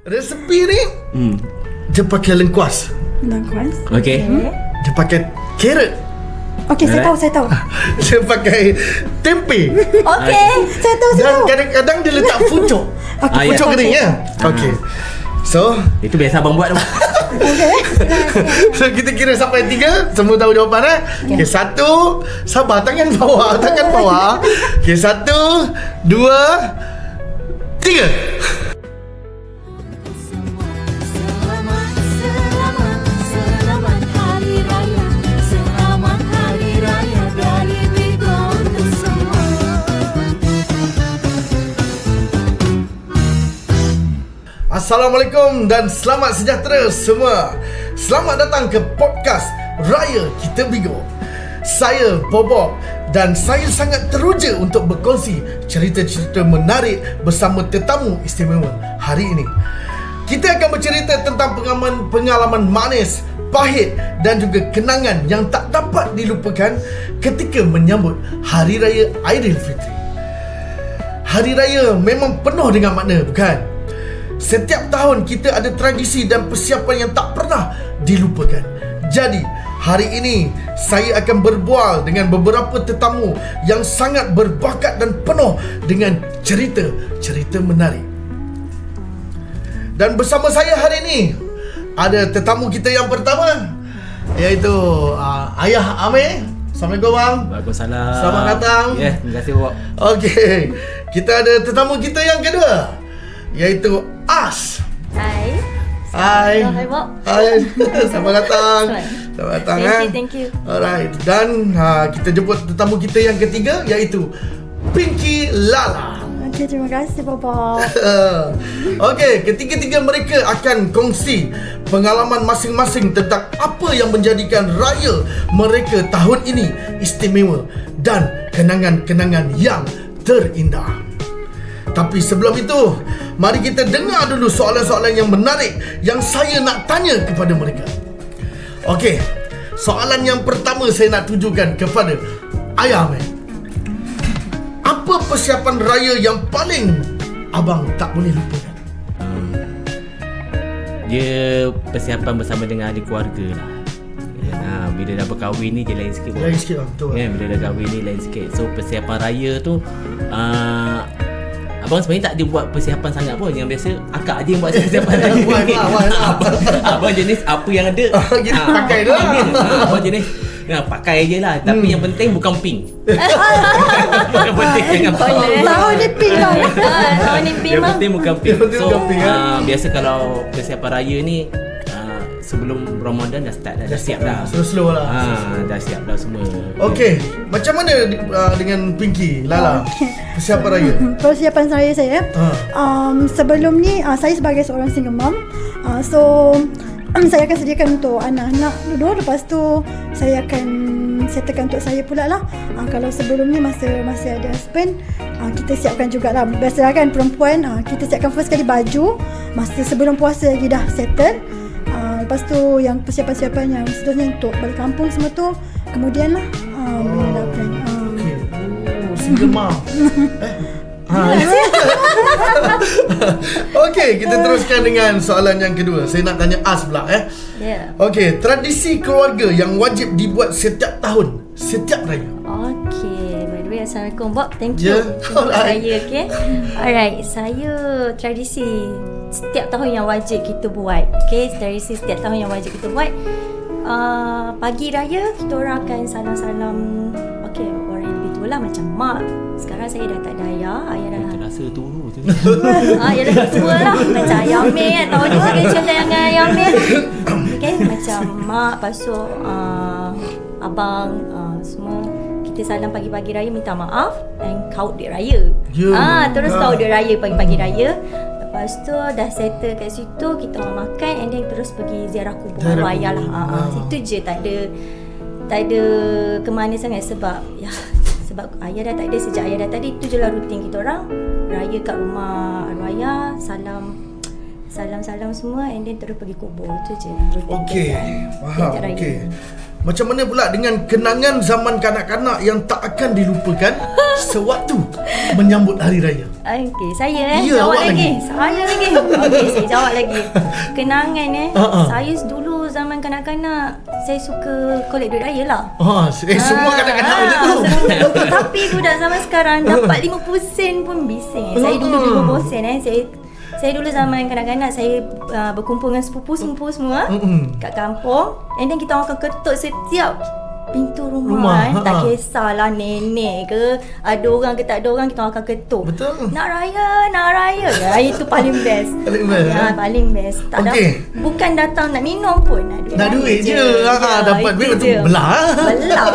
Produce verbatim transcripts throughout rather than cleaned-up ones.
Resepi ni Hmm. dia pakai lengkuas. Lengkuas. Okay. Okay. Dia pakai carrot. Okey, saya Alright. tahu, saya tahu. Dia pakai tempe. Okey, saya tahu, saya Dan tahu. kadang-kadang dia letak pucuk. Okey, Ah, ya. Pucuk okey. kering ya. Okey. So Itu biasa abang buat tu. Okey. So kita kira sampai tiga. Semua tahu jawapan eh. Okey, satu. Sabar, tangan bawah. Tangan bawah. Okey, satu, dua, tiga. Selamat, selamat, selamat Hari Raya. Selamat Hari Raya dari Bigo untuk semua. Assalamualaikum dan selamat sejahtera semua. Selamat datang ke podcast Raya Kita Bigo. Saya Bobok dan saya sangat teruja untuk berkongsi cerita-cerita menarik bersama tetamu istimewa hari ini. Kita akan bercerita tentang pengalaman pengalaman manis, pahit dan juga kenangan yang tak dapat dilupakan ketika menyambut Hari Raya Aidilfitri. Hari Raya memang penuh dengan makna, bukan? Setiap tahun kita ada tradisi dan persiapan yang tak pernah dilupakan. Jadi, hari ini saya akan berbual dengan beberapa tetamu yang sangat berbakat dan penuh dengan cerita-cerita menarik. Dan bersama saya hari ini ada tetamu kita yang pertama, iaitu uh, Ayah Amir. Assalamualaikum bang. Waalaikumsalam. Selamat datang. Ya, yeah, terima kasih Bobok. Okey, kita ada tetamu kita yang kedua, iaitu As. Hai. Hai. Hai, Bob. Hai. Selamat datang. Selamat datang. Thank eh. you, thank you. Alright. Dan ha, kita jemput tetamu kita yang ketiga, iaitu Pinky Lala. Okey, terima kasih, Bobok. Okey, ketiga-tiga mereka akan kongsi pengalaman masing-masing tentang apa yang menjadikan raya mereka tahun ini istimewa dan kenangan-kenangan yang terindah. Tapi sebelum itu, mari kita dengar dulu soalan-soalan yang menarik yang saya nak tanya kepada mereka. Okey, soalan yang pertama saya nak tujukan kepada Ayah Ahmed. Apa persiapan raya yang paling abang tak boleh lupakan? Dia persiapan bersama dengan ahli keluarga lah. Ha, bila dah berkahwin ni dia lain sikit. Lain sikit lah, betul. Ya, bila dah kahwin ni lain sikit. So persiapan raya tu uh, abang sebenarnya tak ada buat persiapan sangat pun. Yang biasa akak je yang buat persiapan raya. Why, why, why, abang, abang jenis apa yang ada Ah, gitu, ah, pakai je lah. ah, Abang jenis ya, pakai je lah. Tapi Hmm. yang penting bukan pink. Yang penting jangan pink. Tahu ni pink bang. Ah, tahun ni pink Yang bang. penting bukan pink. Yang penting So bukan pink, eh. uh, biasa kalau persiapan raya ni uh, sebelum Ramadan dah start dah, dah siap dah. Slow-slow lah. Ah, dah siap dah semua. Okey, macam mana uh, dengan Pinky Lala persiapan raya? Persiapan saya saya. Ha. Um, sebelum ni uh, saya sebagai seorang single mom. Uh, so um, saya akan sediakan untuk anak-anak dulu. Lepas tu saya akan settlekan untuk saya pula lah. Uh, kalau sebelum ni masa masih ada husband, uh, kita siapkan jugalah. Biasalah kan perempuan, uh, kita siapkan first kali baju masa sebelum puasa lagi dah settle. Uh, lepas tu yang persiapan-persiapan yang seterusnya untuk balik kampung semua tu kemudian lah uh, bila dah plan. Uh, Okey. Oh, single mom. eh? Ha. Okey, kita teruskan dengan soalan yang kedua. Saya nak tanya As pula eh. Ya. Okey, tradisi keluarga yang wajib dibuat setiap tahun, setiap raya. Okay, by the way, Assalamualaikum Bob. Thank Ya, you untuk alright. saya, okay. Alright, saya tradisi setiap tahun yang wajib kita buat. Okay, tradisi setiap tahun yang wajib kita buat. Uh, pagi raya kita orang akan salam-salam. Okay, orang yang lebih tua lah macam mak. Sekarang saya dah tak ada ayah. Ayah dah Terasa turun tu. Ah, ya dah tua lah. Macam Ayah Amir kan. Tahu ni saya cerita dengan Ayah Amir. Okay, macam mak, lepas tu uh, abang, uh, semua kita salam pagi-pagi raya, minta maaf dan kaut duit raya. Ya. Ah, terus Ah. kaut duit raya pagi-pagi raya. Lepas tu dah settle kat situ, kita orang makan and then terus pergi ziarah kubur Ziarah arwah ayah lah. kubur. Ah, ah, Ah. situ je, tak ada tak ada ke mana sangat sebab ya sebab ayah dah tak ada, sejak ayah dah tak ada, itu je lah rutin kita orang. Raya kat rumah arwah ayah, salam salam-salam semua and then terus pergi kubur. Itu je lah rutin Okey, kita. faham. Setiap raya. Okey. Macam mana pula dengan kenangan zaman kanak-kanak yang tak akan dilupakan sewaktu menyambut hari raya? Okey, saya eh Ya, jawab awak lagi. lagi. Saya lagi. Okey, saya jawab lagi. Kenangan eh. Ha-ha. Saya dulu zaman kanak-kanak saya suka collect duit raya lah. Ha, eh, semua kanak-kanak macam tu. Ah, tapi budak zaman sekarang dapat lima puluh sen pun bising. Eh. Saya dulu lima puluh sen eh. Saya saya dulu zaman kanak-kanak saya uh, berkumpul dengan sepupu-sepupu semua Mm-mm. kat kampung. And then kita orang akan ketuk setiap pintu rumah, Rumah, rumah eh. Tak ha. kisahlah nenek ke, ada orang ke tak ada orang, kita orang akan ketuk. Betul. Nak raya, nak raya. Ya, itu paling best. Paling best, Ya, eh? paling best. Tak ada, Okey. bukan datang nak minum pun, nak duit. Nak raya duit je. Ha, dapat itu duit betul je. belah. Belah.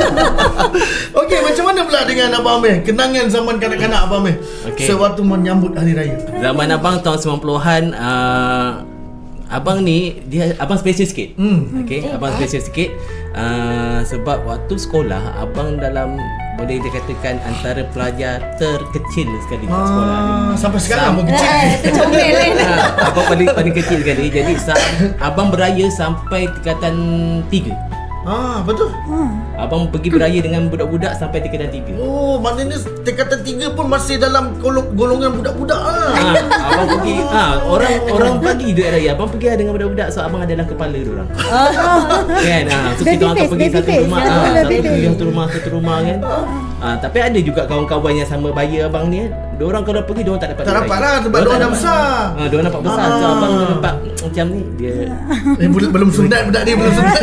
Okey, macam mana pula dengan Abang Amir? Kenangan zaman kanak-kanak Abang Amir Okey. sewaktu menyambut hari raya. Zaman abang tahun sembilan puluhan, uh, abang ni dia abang special sikit. Hmm. Okey, abang special sikit. Uh, sebab waktu sekolah abang dalam boleh dikatakan antara pelajar terkecil sekali kat sekolah ni. Ah, sampai sekarang pun kecil. Eh, itu comel kan. Ha, abang paling paling kecil sekali. Jadi sa- abang beraya sampai tingkatan tiga. Ah, betul. Abang pergi beraya dengan budak-budak sampai tingkatan tiga. Oh, maknanya tingkatan tiga pun masih dalam golong- golongan budak-budak ah. Ha, abang pergi ha, orang orang bagi duit raya. Abang pergi dengan budak-budak so abang adalah kepala dia orang. Kan? Ha, so Baby kita orang akan face, pergi baby satu face. rumah, Ya, ha, baby satu face. pergi satu rumah satu rumah kan. Ha, tapi ada juga kawan-kawan yang sama bayar abang ni. Diorang kalau pergi diorang tak dapat Tak duit dapat raya. lah, sebab diorang dah besar. Ha, diorang nampak besar. So Ah. abang nampak macam ni dia Eh, belum belum sunat budak ni, belum sunat.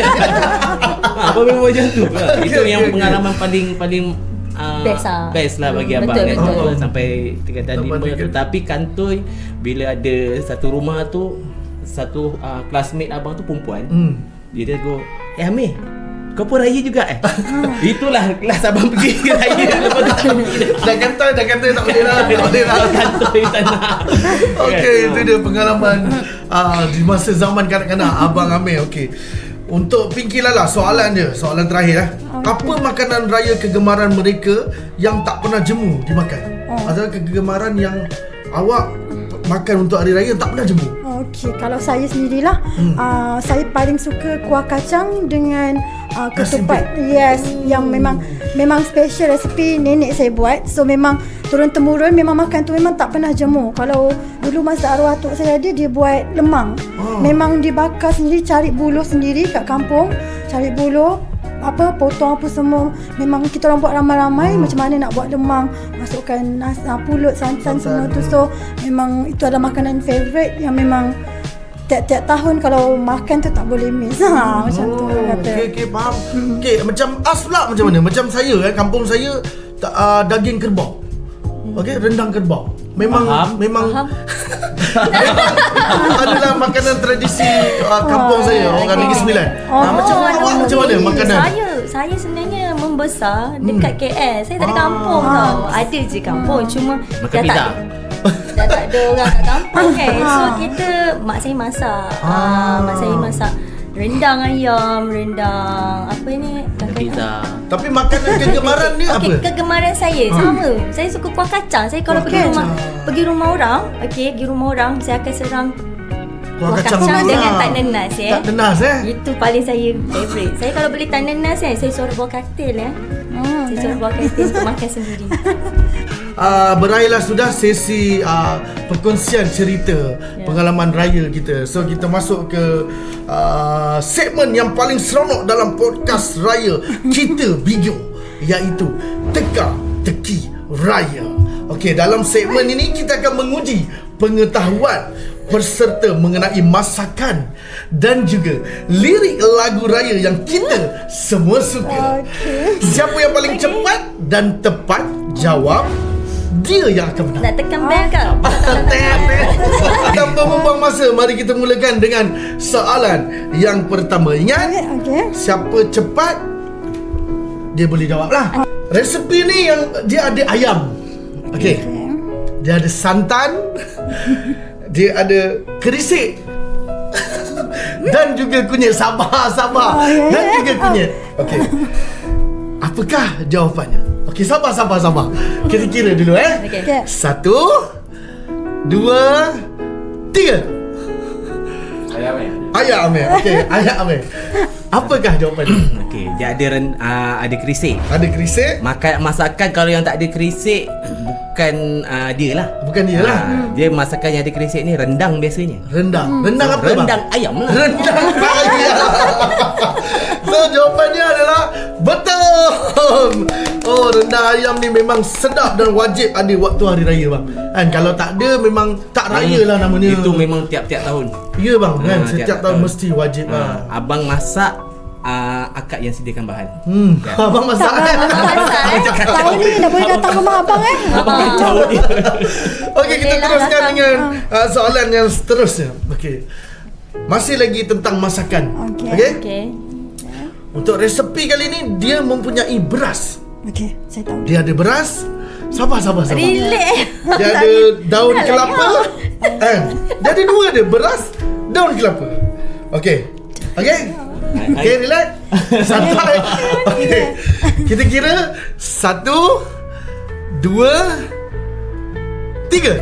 ha, abang memang macam tu. Ha, itu Okey, yang okey, pengalaman paling paling uh, Best lah. best lah bagi Hmm, abang betul, kan. betul. Oh, sampai tingkatan Sampai lima tu. tingkat- Tapi kantoi bila ada satu rumah tu satu uh, classmate abang tu perempuan. Hmm. Dia dia go, "Eh Amir, kau pun raya juga eh?" Itulah kelas abang pergi raya. Lepas tu tak pergi dah. Dah kata, dah kata tak boleh lah, tak boleh lah. Kantoi tak nak. Okey, Kan? itu dia pengalaman uh, di masa zaman kanak-kanak Abang Amir. Okey. Untuk Pinky Lala, soalan dia, soalan terakhir eh. Apa makanan raya kegemaran mereka yang tak pernah jemu dimakan? Oh. Atau kegemaran yang awak makan untuk hari raya tak pernah jemu? Okey, kalau saya sendirilah, hmm. uh, saya paling suka kuah kacang dengan uh, ketupat. Yes, yang memang memang special resipi nenek saya buat. So memang turun temurun memang makan tu memang tak pernah jemu. Kalau dulu masa arwah atuk saya ada, dia buat lemang. Oh. Memang dibakar sendiri, cari buluh sendiri kat kampung, cari buluh, apa potong apa semua. Memang kita orang buat ramai-ramai. Hmm. Macam mana nak buat lemang, masukkan nas, uh, pulut, santan, semua tu. So memang itu adalah makanan favourite yang memang tiap-tiap tahun kalau makan tu tak boleh miss. Ha, macam tu orang kata. Okey, okey, faham. Okey, macam As pula macam mana? Macam saya kan, kampung saya ta- uh, daging kerbau. Okey, rendang kerbau. Memang Faham. memang Faham. adalah makanan tradisi uh, kampung saya, orang Negeri Sembilan. Oh, Ah, macam awak aduh, macam mana ni makanan? Saya saya sebenarnya membesar dekat K L. Saya tak ada Ah. kampung tau. Ada je kampung, cuma Makan dah pizza. tak dah tak ada orang kat kampung kan. So kita mak saya masak. Ah, mak saya masak rendang ayam, rendang apa ni? Pizza. Tapi makanan kegemaran ni apa? Okey, kegemaran saya sama. Saya suka kuah kacang. Saya kalau Kuah pergi rumah kacang. pergi rumah orang, okey, pergi rumah orang, saya akan serang Kuah kuah kacang kacang juga. dengan tak nenas eh. Tak nenas eh? Itu paling saya favourite. Saya kalau beli tak nenas eh, saya suruh buah katil ya. Hmm, Saya suruh buah katil untuk makan sendiri. Uh, berakhirlah sudah sesi uh, perkongsian cerita Ya. pengalaman raya kita. So kita masuk ke uh, segmen yang paling seronok dalam podcast raya kita Bigo, iaitu Teka Teki Raya. Okey, dalam segmen ini kita akan menguji pengetahuan peserta mengenai masakan dan juga lirik lagu raya yang kita semua suka. Okey. Siapa yang paling cepat dan tepat jawab, dia yang akan menang. Nak tekan bell ke? Tanpa membuang masa, mari kita mulakan dengan soalan yang pertama. Ingat, Okey. siapa cepat dia boleh jawab lah. Resepi ni yang dia ada ayam. Okey. Dia ada santan. Dia ada kerisik. Dan juga kunyit. Sabar, sabar. Oh, ya, Dan ya. juga kunyit. Okey. Apakah jawapannya? Okey, sabar, sabar, sabar. Kita kira dulu eh. Okey. Okey. Satu, dua, tiga. Ayam eh. Ayam Amir. Okey, ayam Amir. Apakah jawapannya? Okey, dia ada ren, uh, ada kerisik. Ada kerisik? Makan masakan kalau yang tak ada kerisik bukan uh, dia lah. Bukan dia lah. Ah, dia masakan yang ada kerisik ni rendang biasanya. Rendang. Rendang apa Rendang bang? ayam lah. Rendang ayam. So jawapannya adalah betul. Oh, rendang ayam ni memang sedap dan wajib ada waktu hari raya bang. Kan kalau tak ada memang tak raya lah namanya. Itu memang tiap-tiap tahun. Ya bang kan, Ah, setiap tiap tahun tahun. mesti wajib Ah, lah. abang masak, uh, akak yang sediakan bahan. Hmm, abang masak. Tak bang, abang masak eh. Tahun ni dah boleh datang rumah abang eh. Kacau dia. Okey, kita Boleh lah teruskan datang. dengan uh, soalan yang seterusnya. Okey. Masih lagi tentang masakan. Okey. Okey. Okey. Untuk resepi kali ni dia mempunyai beras. Okey, saya tahu. Dia ada beras. Sabar sabar sabar. Relax. Dia ada daun kelapa. Kan? Dia ada dua dia, beras, daun kelapa. Okey. Okey. Okey, relax. Santai. Okey. Kita kira satu, dua, tiga.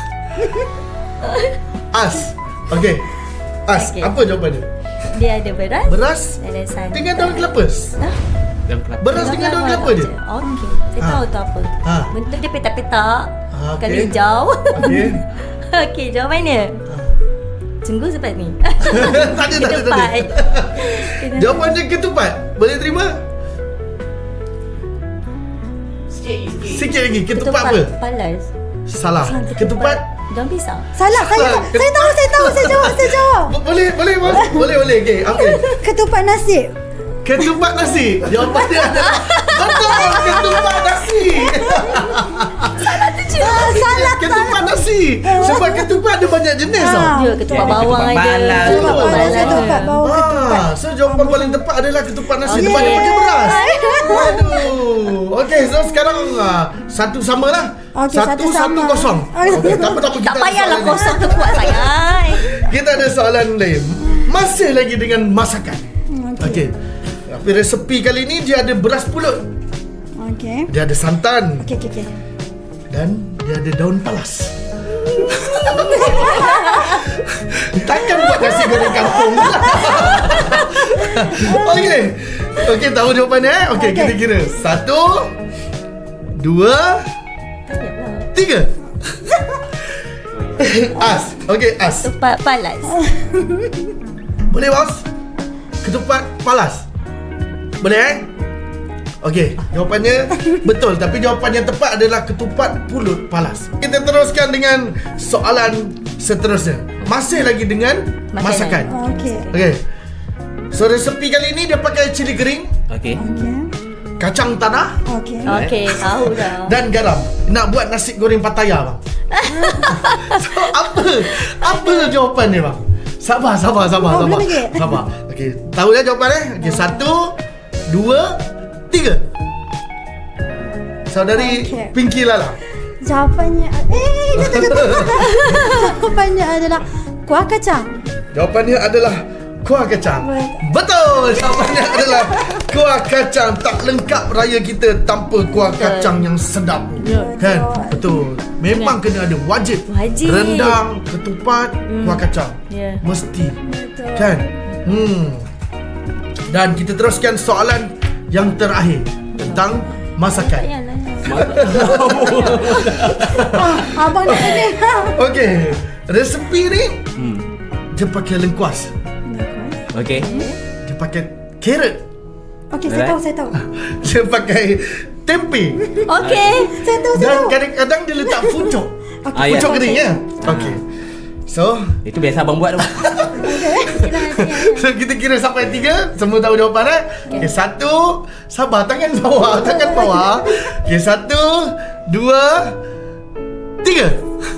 As. Okey. As, Okey. apa jawapannya? Dia ada beras. Beras Ada santan. dengan daun kelapa. Daun kelapa. Beras dengan daun kelapa je. Okey. Saya Ha. tahu tu apa. Ha. Bentuk dia petak-petak. Ha, okey. Kalau hijau. Okey. Okey, jawapannya. Sungguh cepat ni. Tak ada, tak ada, tak ada. Ketupat. Jawapannya ketupat. Boleh terima? Sikit lagi. Ketupat apa? Palas. Salah. Ketupat. Daun pisang. Salah, saya Salah. tahu. Saya tahu, saya tahu, saya jawab, saya jawab. Bo- Boleh, boleh, bos. Boleh, boleh. Okey, okey. Ketupat nasi. Ketupat nasi. Jawapannya adalah betul. Ketupat nasi. Ah, salah, Ketupat nasi. Sebab ketupat ada banyak jenis Ah. tau. Dia ketupat Dia bawang ketupat ada. balas. Ketupat Betul. balas, ketupat bawang, ketupat. Ah, so jawapan paling tepat adalah ketupat nasi. Dia Okey. banyak pakai beras. Waduh. Okey, so sekarang ah, satu sama lah. Okey, satu, satu satu sama. kosong. Okey, tak apa, tak apa. Tak Kita ada payahlah soalan kosong tu kuat sangat. lain. Kita ada soalan lain. Masih lagi dengan masakan. Okey. Tapi resepi kali ni dia ada beras pulut. Okey. Dia ada santan. Okey, okey, okey. Dan dia ada daun palas. Takkan buat nasi goreng kampung. Okey. Okey, tahu jawapannya eh? Okey, Okey. kita kira. Satu, dua, tiga. As. Okey, as. Ketupat palas. Boleh, bos? Ketupat palas. Boleh eh? Okey, jawapannya betul, tapi jawapan yang tepat adalah ketupat pulut palas. Kita teruskan dengan soalan seterusnya. Masih lagi dengan masakan. Makanan. Okey. Okey. So resepi kali ini dia pakai cili kering, Okey. Okey. kacang tanah Okey. Okey, tahu dah. dan garam. Nak buat nasi goreng Pattaya bang. So apa? Apa jawapannya bang? Sabar, sabar, sabar, Oh, sabar. belum lagi? Sabar. Okey, tahu dah jawapan eh? Okey, satu, dua, tiga. Saudari Okey. Pinky Lala. Jawapannya eh jatuh jatuh. Jawapannya adalah kuah kacang. Jawapannya adalah kuah kacang. Baik. Betul. Jawapannya adalah kuah kacang. Tak lengkap raya kita tanpa kuah Betul. kacang yang sedap. Ya. Kan? Betul. Memang kena ada wajib. Wajib. Rendang, ketupat, kuah kacang. Ya. Mesti. Betul. Kan? Hmm. Dan kita teruskan soalan yang terakhir tentang masakan. Payahlah. Ah, abang nak tanya. Okey. Resepi ni Hmm. dia pakai lengkuas. Okey. Dia pakai carrot. Okey, saya tahu, saya tahu. Dia pakai tempe. Okey. Saya tahu, saya Dan tahu. kadang-kadang dia letak pucuk. Ah, ya. Pucuk kering ya. Okey. So, Itu biasa abang buat tu. so kita kira sampai tiga. Semua tahu jawapan eh? Okey, satu. Sabar, tangan bawah, tangan bawah. Okey, satu, dua, tiga.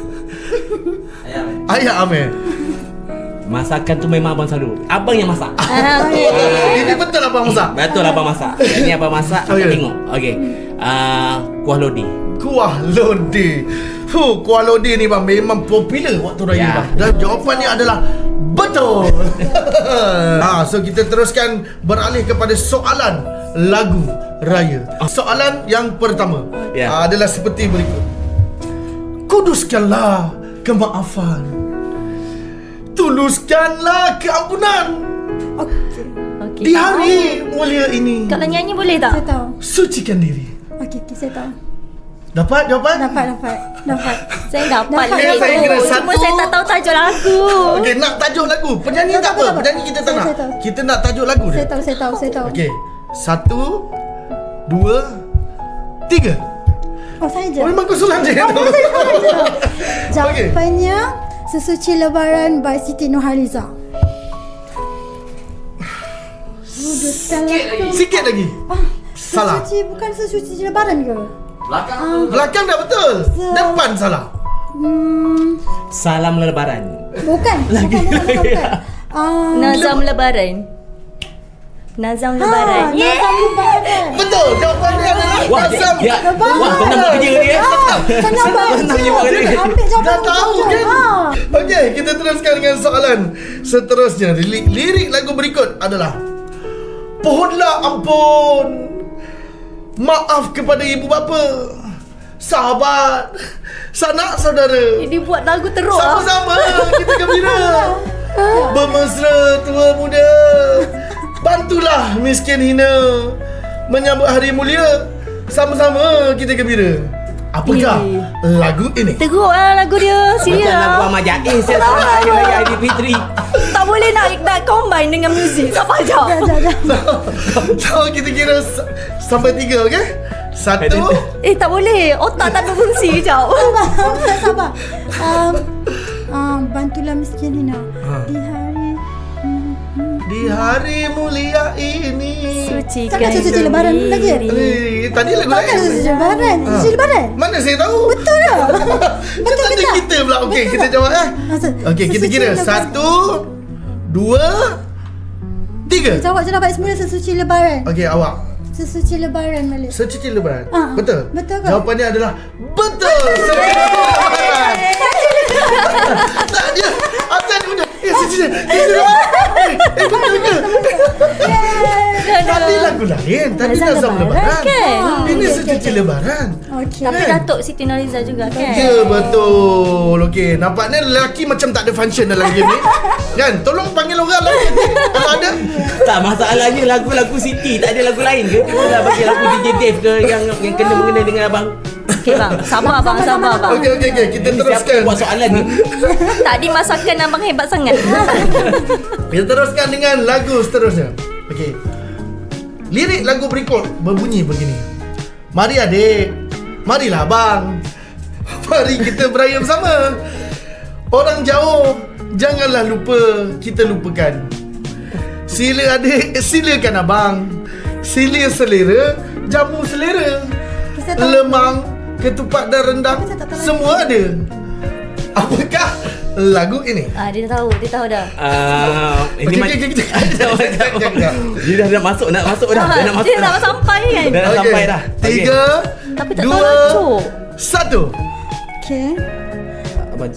Ayah Amir. Masakan tu memang abang selalu. Abang yang masak. Ah, okey. Ini betul abang masak. Betul abang masak. Ini abang masak. Oh, Kita ya. tengok. Okey. Ah, kuah lodi. Kuah lodeh. Huh, kuah lodeh ni bang memang popular waktu raya Ya. bang. Dan jawapannya adalah betul. Ha, so kita teruskan beralih kepada soalan lagu raya. Soalan yang pertama Ya. ah, adalah seperti berikut. Kuduskanlah kemaafan, tuluskanlah keampunan, Okey. Okey. Di hari mulia ini, Kalau nyanyi boleh Saya tak? tahu. sucikan diri. Okey, okay, saya tahu. Dapat jawapan? Dapat, dapat. Dapat. Saya dapat Dapat. lirik Saya kira tu. satu. Cuma saya tak tahu tajuk lagu. Okey, nak tajuk lagu. Penyanyi Tak tak apa, apa. tak apa. Penyanyi kita tak Saya- nak. saya tahu. Kita nak tajuk lagu Saya dia. tahu, saya tahu, saya tahu. Okey. Satu, dua, tiga. Oh, saya je. Oh, memang kau sulam je. Jawapannya Sesuci Lebaran by Siti Nurhaliza. Sudah salah. Sikit lagi. Ah, Salah. Sesuci bukan sesuci Lebaran ke? Belakang dah betul. Se- Depan salah. Hmm, Salam lebaran. bukan. Bukan, bukan, bukan, bukan. Ah, Nazam Lebaran. Nazam Lebaran. Ah, Yeah. Nazam Lebaran. Betul. Jawapannya adalah Wah, dia, Nazam. dia, Lebaran. wah, tenang buat kerja dia. Ah, Senang buat Senang dia buat kerja. kerja. Ambil jawapan Dah tahu betul. kan? Ah. Okey, kita teruskan dengan soalan seterusnya. Lirik, lirik lagu berikut adalah Pohonlah ampun, maaf kepada ibu bapa, sahabat, sanak saudara. Dia buat lagu teruk lah. Sama-sama kita gembira, bermesra tua muda, bantulah miskin hina, menyambut hari mulia, sama-sama kita gembira. Apakah Eh. lagu ini? Teruk lah lagu dia. Macam Serius lagu lah. Ahmad Jais yang sama Hari Raya Aidilfitri. Tak boleh nak, nak combine dengan muzik. Tak payah. Jap, jap, jap. So kita kira s- sampai tiga, okey? Satu. Eh tak boleh. Otak tak berfungsi. Sekejap. Sabar, sabar. Um, um, bantulah miskin hina. Ha. Di hari hmm, hmm. Di hari mulia ini. Sucikan Takkan suci Lebaran diri. lagi? Eh, tadi lagu Takkan lain. suci Lebaran. Ha. Suci Lebaran. Mana saya tahu? Betul tak? Betul ke ke tak? kita pula. Okey, Betul kita tak? jawab eh. Masa, Okey, kita sesuci kira. Lebaran. Satu, dua, tiga. Jawab je lah baik semula sesuci Lebaran. Okey, awak. Sesuci Lebaran balik. Secuci lebaran. Ah, Betul? betul ke? Jawapannya adalah betul. Secuci lebaran. Tak dia. Apa dia punya? Eh, secuci. Eh, eh, betul ke? Tadi lagu lain. Tadi Nazam Nazam Lebaran lebaran. kan? Ini okey, secuci okey. lebaran. Okey. Tapi Kan? Datuk Siti Nurhaliza juga kan? Ya, betul. Okey, nampaknya lelaki macam tak ada function dalam game ni. Kan? Tolong panggil orang lain kalau ada. Tak, masalahnya lagu-lagu Siti tak ada lagu lain ke? Kita dah bagi lagu D J Dave ke yang yang kena mengena dengan abang. Okey bang, sabar bang, sabar bang. Okey, okey, okey. Kita Ini siapa teruskan. yang buat soalan ni? Tadi masakan abang hebat sangat. Kita teruskan dengan lagu seterusnya. Okey. Lirik lagu berikut berbunyi begini. Mari adik, marilah abang, mari kita beraya bersama. Orang jauh, janganlah lupa kita lupakan. Sila adik, silakan abang. Sila selera, jamu selera. Saya tahu. Lemang, ketupat dan rendang, Saya tak tahu semua ada. Apakah lagu ini? Ah, dia dah tahu, dia tahu dah. Ah, ini Okey, macam okey, okey, okey. dia dah nak masuk, nak masuk dah. Dia nak masuk. Dia dah sampai kan? Dah nak Okey. sampai dah. Tiga, Tapi tak tahu dua, tajuk. satu. Okey. Abang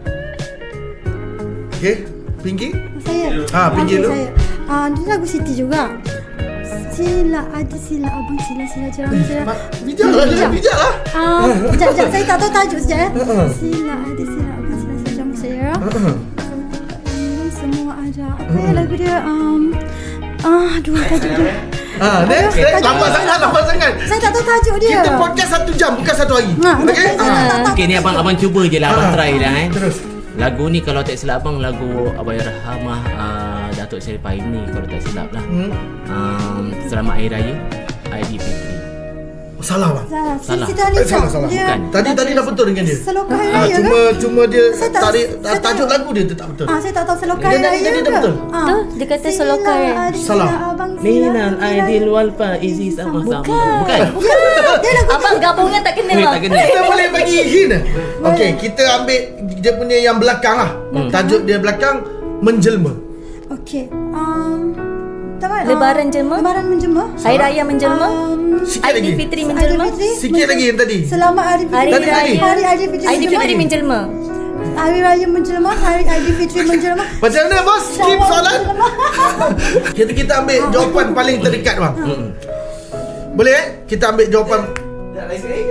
Okey, Pinky. Saya. Ah, pinggir Okey, dulu. saya. Ah, dia lagu Siti juga. Sila ada sila abang sila sila jalan sila. Mak, bijak lah dia, bijak lah. Ah, sekejap, sekejap. Saya tak tahu tajuk sekejap eh. Uh-uh. Sila ada sila abang sila sila jamu saya. Uh-uh. Hmm, semua ada. Apa ya lagu dia? Um, ah, aduh tajuk dia. Ah, next, Aduh, next. tajuk Lambat dia. sangat, lambat sangat. Saya tak tahu tajuk dia. Kita podcast satu jam, bukan satu hari. Ha, Okey? saya tak Ah. tahu. okey ni abang abang cuba je lah, abang Ah, try lah eh. Terus. Lagu ni kalau tak silap abang lagu Abayarhamah uh, Datuk Seri Paim ni kalau tak silap lah. Hmm. Um, Selamat Hari Raya Aidilfitri. Oh, salah bang. Salah. Salah. Siti Eh, Nurhaliza. salah, salah. Dia Bukan. Tadi tadi dah betul dengan dia. Selokan Hari Ah, Raya cuma ke? cuma dia Saya tak- tarik saya tak- tajuk lagu dia tu tak betul. Ah, saya tak tahu selokan Dia Hari tadi- Raya tadi dah ke? betul. Ah. Tu, dia kata Sila selokan. ada sila Salah. abang sila Minal Hari Raya. Aidil wal Faizi sama-sama. Bukan. Bukan. Ya, dia lagu Abang gabungan tak kena Ni bang. tak kena. Kita boleh bagi hint. Okey, kita ambil dia punya yang belakang lah. Tajuk dia belakang menjelma. Okey. Um, tak apa. Lebaran ah, jelma? Lebaran menjelma. Hari Raya menjelma. Um, Sikit lagi. Aidilfitri menjelma. Aidilfitri Sikit menjelma. lagi yang tadi. Selamat Hari Fitri. Hari Tadi, tadi. Raya. Hari Aidilfitri Aidilfitri menjelma. Hari Raya menjelma. Hari Aidilfitri menjelma. Macam mana bos? Skip soalan. Kita kita ambil jawapan paling terdekat bang. Boleh eh? Kita ambil jawapan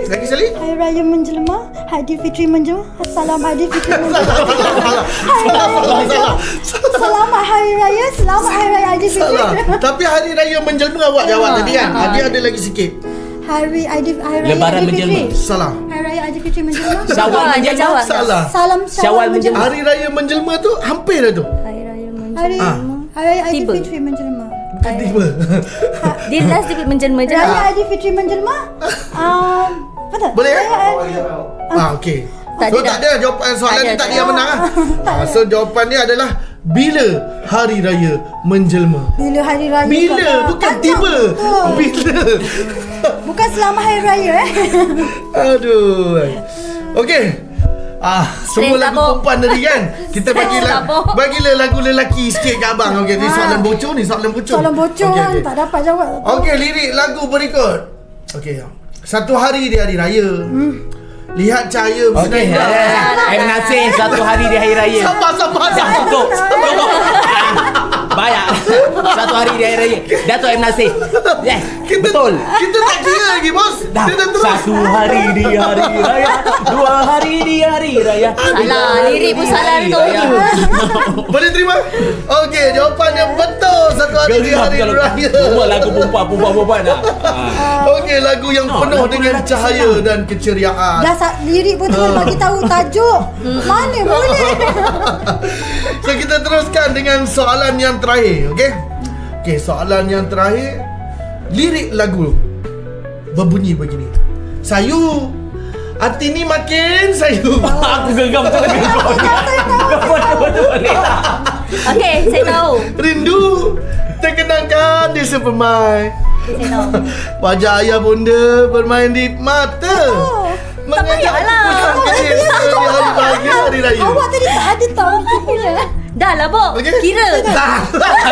Lagi sekali. Hari Raya menjelma, Aidilfitri menjelma. Salam Aidilfitri menjelma. Salah, salah, salah. Selamat Hari Raya, selamat Hari Raya Aidilfitri. Salah. Tapi hari raya menjelma awak jawab tadi kan. Ah. Dia ada lagi sikit. Hari Aidil Hari Raya Lebaran Aidilfitri. menjelma. Salah. Hari Raya Aidilfitri menjelma. Syawal Ah, dia menjelma. jawab. Salah. Salam Syawal menjelma. menjelma. Hari raya menjelma tu hampir dah tu. Hari Raya Hari Ah. Hari Raya Tiba. Aidilfitri menjelma. Bukan tiba. Dia last dia menjelma je Raya lah. Aidilfitri menjelma. Um, betul. Boleh kan? Raya Ah, okey. Tak So ada tak dah. ada jawapan soalan Tak ni ada, tak tak ada yang ada. menang ah. Ah, so jawapan dia adalah bila hari raya menjelma. Bila hari raya. Bila kau dah bukan panjang tiba. betul. Bila. Bukan selama hari raya eh. Aduh. Okey. Ah, semua Stress lagu tabung. perempuan tadi kan. Kita Stress bagilah tabung. bagilah lagu lelaki sikit ke abang. Okey, ni Ah. soalan bocor ni, soalan bocor. Soalan bocor Okey, kan okey. tak dapat jawab. Okey, lirik lagu berikut. Okey. Satu hari di hari raya. Hmm. Lihat cahaya Okey. bersinar. M. Nasir satu hari di hari raya. Sabar, sabar, Dah sabar. cukup. Cukup. Ah, Banyak. Satu hari di hari raya. Dato' M. Nasir. Yes. Kita, Betul. Kita tak kira lagi, bos. Dah. Dia dah terus. Satu hari di hari raya. Dua hari di hari raya. Salah, lirik pun salah Hari tu. raya. Boleh terima? Okey, jawapan yang betul. Satu hari di Geram hari kalau raya. Buat lagu perempuan, perempuan, perempuan dah. Ah. Okey, lagu yang No, penuh lagu dengan lelaki cahaya dan keceriaan. Dah sa- lirik pun cuma bagi tahu tajuk. Mana boleh. So kita teruskan dengan soalan yang terakhir, okey? Okey, soalan yang terakhir. Lirik lagu berbunyi begini. Sayu, hati ni makin sayu. Aku geram betul lagi kau ni. Kau betul boleh tak? Okey, saya tahu. Rindu terkenangkan di sepermai. Saya tahu. Wajah ayah bunda bermain di mata. Tak payahlah. Pulang kecil di hari bahagia hari raya. Awak tadi tak ada tahu tu punya. Dah lah, Bob. Okey. Kira. Dah.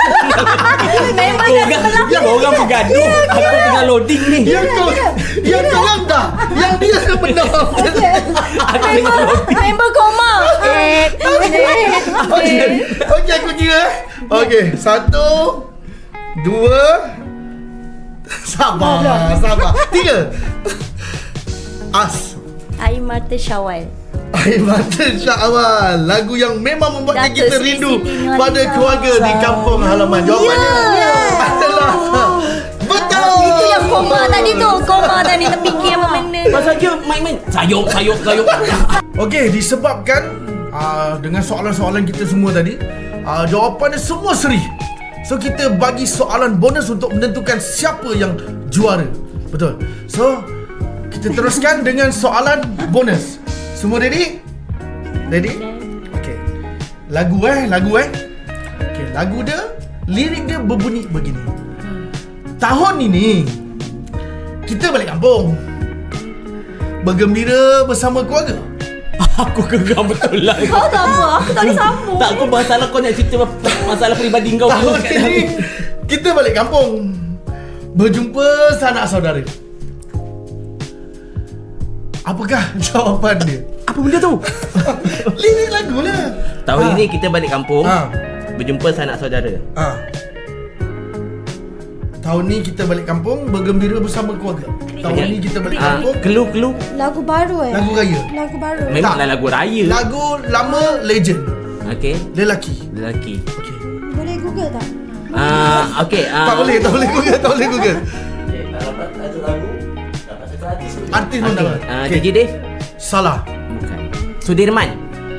Memang dah sebelah. Ya, Orang bergaduh. Aku tengah loading ni. Yang kau Yang kau orang dah. Yang dia yang benar. Aku tengah loading. Member koma. Eh. Okey. Okey, aku kira eh. Okey, satu, dua, sabar, sabar. Tiga. As. Air mata Syawal. Air mata Syawal. Lagu yang memang membuatkan Datuk kita Sri rindu Siti Nurhaliza. pada keluarga di kampung halaman. Jawapannya adalah betul. Itu yang koma tadi tu. Koma tadi terfikir apa benda. Pasal dia main-main. Sayuk, sayuk, sayuk. Okey, disebabkan uh, dengan soalan-soalan kita semua tadi, uh, jawapannya semua seri. So kita bagi soalan bonus untuk menentukan siapa yang juara. Betul. So kita teruskan dengan soalan bonus. Semua ready? Ready? Okey. Lagu eh, lagu eh. Okey, lagu dia, lirik dia berbunyi begini. Tahun ini kita balik kampung. Bergembira bersama keluarga. Aku geram betul lah. Kau tak apa. Aku tak boleh sambung. Tak, aku masalah kau nak cerita masalah peribadi kau. Tahun ini kita balik kampung. Berjumpa sanak saudara. Apakah jawapan dia? Apa benda tu? Lirik lagu lah. Tahun Ha. ini kita balik kampung. Ha. Berjumpa sanak saudara. Ha. Tahun ni kita balik kampung bergembira bersama keluarga. Tahun Okey. ni kita balik Ah, kampung. Kelu-kelu. Lagu baru eh. Lagu raya. Lagu baru. Memanglah lagu raya. Lagu lama legend. Okey. Lelaki. Lelaki. Okey. Boleh Google tak? Ah, okey. ah. Tak boleh, tak boleh Google, tak boleh Google. Okey, tak dapat satu lagu. Dapat satu artis. Artis pun dapat. Ah, Okey. J J Dave. Salah. Bukan. Sudirman.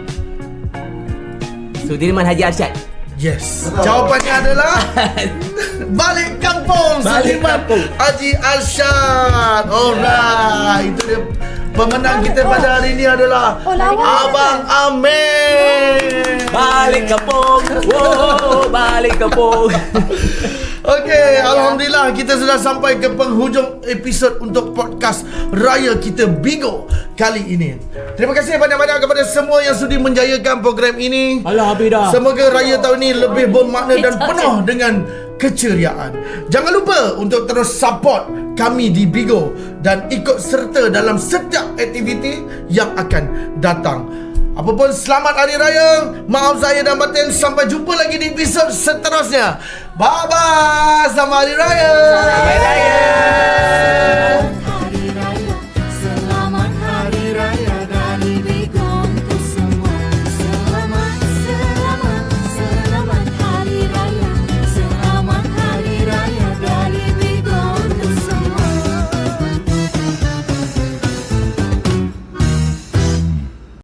Sudirman Haji Arsyad. Yes. Jawapannya adalah Balik Kampung. Balik Sudirman Kampung. Haji Arsyad. Alright. Itu dia. Pemenang kita pada hari ini adalah Oh, lawan. Abang Amir. Balik kampung. Wow, balik kampung. Okey, alhamdulillah kita sudah sampai ke penghujung episod untuk podcast Raya Kita Bigo kali ini. Terima kasih banyak-banyak kepada semua yang sudi menjayakan program ini. Alah, habis dah. Semoga raya tahun ini lebih bermakna dan penuh dengan keceriaan. Jangan lupa untuk terus support kami di Bigo dan ikut serta dalam setiap aktiviti yang akan datang. Apapun, selamat Hari Raya. Maaf saya dan batin. Sampai jumpa lagi di episod seterusnya. Bye-bye. Selamat Hari Raya. Selamat Raya.